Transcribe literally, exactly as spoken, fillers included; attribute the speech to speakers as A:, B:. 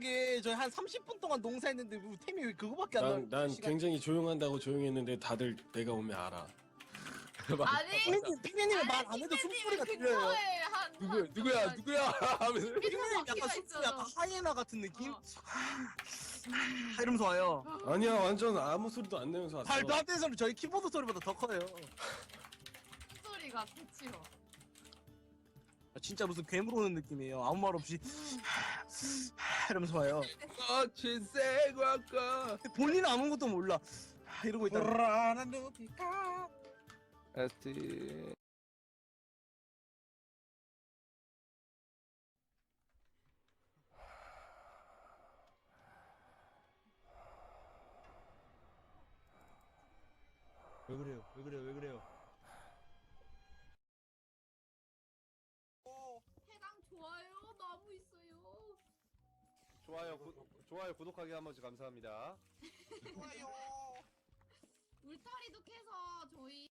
A: 게 저희 한 삼십 분 동안 농사했는데 뭐 템이 왜 그거밖에 안 나와?
B: 난, 난 굉장히 조용한다고 조용했는데 다들 내가 오면 알아.
C: 아니
A: 피디님, 피디님은 말 안 해도 숨소리가 들려요.
C: 그거에 한
D: 누구야
C: 한
D: 누구야
C: 잠깐.
D: 누구야 하면서
A: 피디님 약간
C: 바퀴가
A: 숨소리
C: 있잖아.
A: 약간 하이에나 같은 느낌?
C: 어.
A: 이러면서 와요.
B: 아니야, 완전 아무 소리도 안 내면서 왔어.
A: 말도 안 되는 소리 저희 키보드 소리보다 더 커요.
C: 소리가 대치로.
A: 아, 진짜 무슨 괴물 오는 느낌이에요. 아무 말 없이 이러면서 와요.
D: 거친 생활과
A: 본인은 아무것도 몰라. 이러고 있다.
E: 불안한 눈빛과
D: 에스티
E: 왜 그래요? 왜 그래요? 왜 그래요?
C: 해당 좋아요 너무 있어요.
D: 좋아요 구, 좋아요 구독하기 한 번씩 감사합니다.
E: 좋아요.
C: 울타리도 캐서 저희